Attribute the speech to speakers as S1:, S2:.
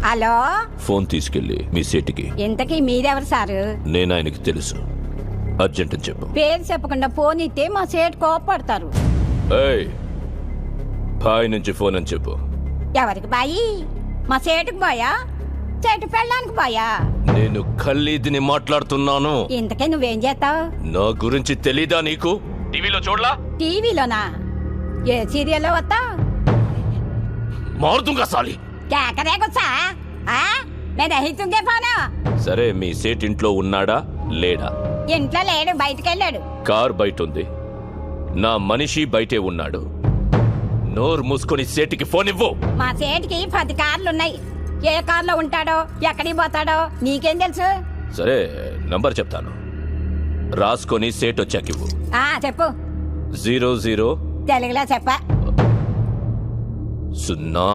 S1: Hello,
S2: phone తీసుకెళ్ళి మీ సీటుకి.
S1: ఇంతకీ మీరెవరు సారు?
S2: నేను ఆయనకి తెలుసు, అర్జెంట్ అని చెప్పు.
S1: పేరు చెప్పకుండా ఫోన్ ఇస్తే మా సేటు కోపడతారు.
S2: ఏయ్, బాయ్ నుంచి ఫోన్ అని చెప్పు.
S1: ఎవరికి బాయి? మా సేటుకు బాయా, సేటు పెళ్ళడానికి బాయా?
S2: నేను ఖల్లీదిని మాట్లాడుతున్నాను.
S1: ఇంతకీ నువ్వేం చేస్తావు?
S2: నా గురించి తెలీదా నీకు? టీవీలో చూడలా?
S1: టీవీలోనా? ఏ సీరియల్లో వస్తా?
S2: మారుతుంగా సాలి.
S1: కేకరే గుచ్చా? నేను అహితుంగే ఫోను.
S2: సరే, మీ సేట్ ఇంట్లో ఉన్నాడా లేడా?
S1: ఇంట్లో లేడు, బయటకెళ్ళాడు.
S2: కార్ బయట ఉంది, నా మనిషి బయటే ఉన్నాడు. నోరు మూసుకొని సేటికి ఫోన్ ఇవ్వు.
S1: మా సేటుకి 10 కార్లున్నాయి. ఏ కార్లో ఉంటాడో, ఎక్కడికి పోతాడో నీకేం తెలుసు?
S2: సరే, నంబర్ చెప్తాను, రాసుకొని సేట్ వచ్చాకివ్వు.
S1: చెప్పు.
S2: 00
S1: తెలుగులో చెప్ప.
S2: 0